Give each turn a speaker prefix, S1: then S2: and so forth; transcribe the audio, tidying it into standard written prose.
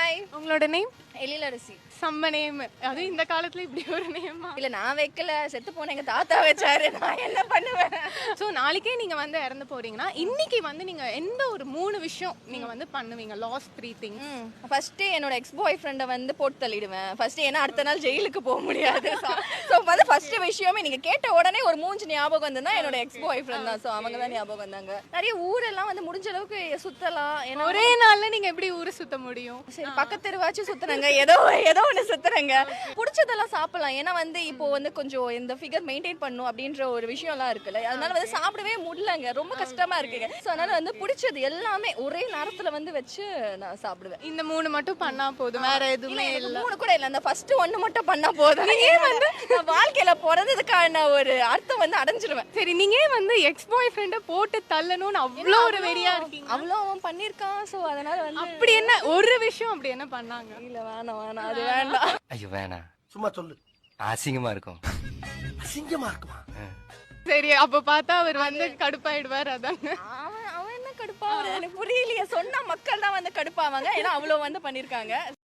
S1: Hi,
S2: உங்களோட name?
S1: Ezhilarasi.
S2: செம்ம name. அது இந்த காலத்துல இப்படி ஒரு நேமா?
S1: இல்ல நான் வைக்கல, செத்து போன எங்க தாத்தா வச்சாரு. நான் என்ன பண்ணுவேன்?
S2: ஸோ நாளைக்கே நீங்க வந்து இறந்து போறீங்கன்னா இன்னைக்கு வந்து நீங்க எந்த ஒரு 3 விஷயம் நீங்க வந்து பண்ணுவீங்க? Last 3 things.
S1: ஃபர்ஸ்ட் என்னோட எக்ஸ் பாய் ஃப்ரெண்டை வந்து போட்டு தள்ளிடுவேன். ஃபர்ஸ்ட் ஏன்னா அடுத்த நாள் ஜெயிலுக்கு போக முடியாது. ஸோ வந்து ஃபர்ஸ்ட் விஷயமே நீங்க கேட்ட உடனே ஒரு மூஞ்சி ஞாபகம் வந்ததுன்னா என்னோட எக்ஸ் பாய் ஃப்ரெண்ட் தான். ஸோ அவங்க தான் ஞாபகம் வந்தாங்க. நிறைய ஊரெல்லாம் வந்து முடிஞ்ச அளவுக்கு சுத்தலாம். ஏன்னா
S2: ஒரே நாள்ல நீங்க எப்படி ஊரை சுத்த முடியும்?
S1: சரி பக்கத்து தெருவாச்சும் சுத்துறாங்க, ஏதோ ஏதோ ஒன்று சுத்துறாங்க. பிடிச்சதெல்லாம் சாப்பிடலாம். ஏன்னா வந்து இப்போ வந்து கொஞ்சம் இந்த ஃபிகர் மெயின்டைன் பண்ணும் அப்படின்ற ஒரு விஷயம்லாம் இருக்குல்ல, அதனால வந்து சாப்பிடவே முடியலங்க, ரொம்ப கஷ்டமா இருக்குங்க. ஸோ அதனால வந்து பிடிச்சது எல்லாமே ஒரே நேரத்துல வந்து வச்சு நான் சாப்பிடுவேன்.
S2: இந்த 3 மட்டும் பண்ணா போதும், வேற எதுவுமே இல்ல.
S1: 3 கூட இல்ல, அந்த ஃபர்ஸ்ட் 1 மட்டும் பண்ணா போதும். ஏன் வந்து நான் வாழ்க்கையில பிறந்ததுக்கான ஒரு அர்த்தம் வந்து அடைஞ்சிருவேன்.
S2: சரி, நீங்க ஏன் வந்து எக்ஸ் பாய் ஃப்ரெண்ட போட்டு தள்ளணும்னு அவ்வளோ ஒரு வெறியா இருக்கீங்க?
S1: அவ்வளோ அவன் பண்ணிருக்கான். ஸோ அதனால வந்து
S2: அப்படி என்ன ஒரு விஷயம் அப்படி என்ன பண்ணாங்க?
S1: இல்ல வேணாம் வேணாம், அது வேண்டாம்.
S3: ஐயோ வேணாம்,
S4: சும்மா சொல்லு.
S3: அசிங்கமா இருக்கும்.
S4: அசிங்கமா இருக்குமா?
S2: சரி, அப்ப பார்த்தா அவர் வந்து கடுப்பாயிடுவார். அதாங்க.
S1: அவன் என்ன கடுப்பாவது எனக்கு புரியலையே. சொன்னா மக்கள் தான் வந்து கடுப்பாவாங்க, ஏன்னா அவ்வளோ வந்து பண்ணிருக்காங்க.